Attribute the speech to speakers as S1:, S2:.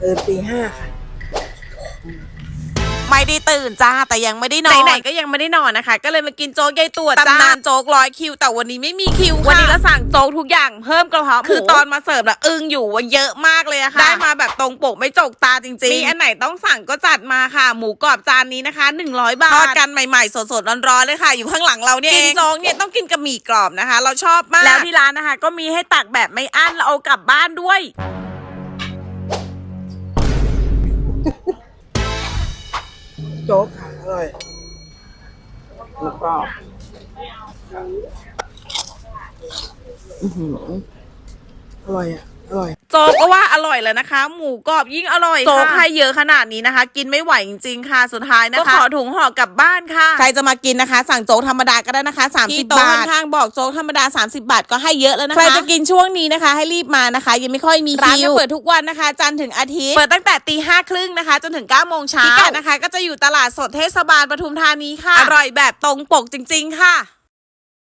S1: ตี 5ค่ะ
S2: ไม่ได้ตื่นจ้าแต่ยังไม่ได้นอนไหนๆก็ยังไม่ได้นอนนะคะก็เลยมากินโจ๊กยายตัวจ้าตำนานโจ๊ก100 คิวแต่วันนี้ไม่มีคิวค่ะวันนี้เราสั่งโจ๊กทุกอย่างเพิ่มกระเพาะหมูคือตอนมาเสิร์ฟละอึ้งอยู่ว่าเยอะมากเลยอะค่ะได้มาแบบตรงปกไม่จกตาจริงๆมีอันไหนต้องสั่งก็จัดมาค่ะหมูกรอบจานนี้นะคะ100 บาททอดกันใหม่ๆสดๆร้อนๆเลยค่ะอยู่ข้างหลังเราเนี่ยกินโจ๊กเนี่ยต้องกินกับหมี่กรอบนะคะเราชอบมากแล้วที่ร้านนะคะก็มีให้ตักแบบไม่อั้นเราเอากลับบ้านด้วย
S1: โจ๊กค่ะอร่อยแล้วก็อร่อยอ่ะอร่อย
S2: โจ๊กก็ว่าอร่อยแล้วนะคะหมูกรอบยิ่งอร่อยโจ๊กให้เยอะขนาดนี้นะคะกินไม่ไหวจริงๆค่ะสุดท้ายนะคะก็ขอถุงห่อกลับบ้านค่ะใครจะมากินนะคะสั่งโจ๊กธรรมดาก็ได้นะคะ30 บาทข้างบอกโจ๊กธรรมดา30 บาทก็ให้เยอะแล้วนะคะใครจะกินช่วงนี้นะคะให้รีบมานะคะยังไม่ค่อยมีคิวร้านจะเปิดทุกวันนะคะจันทร์ถึงอาทิตย์เปิดตั้งแต่ตี5:30นะคะจนถึง9 โมงเช้าพิกัดนะคะก็จะอยู่ตลาดสดเทศบาลปทุมธานีค่ะอร่อยแบบตรงปกจริงๆค่ะ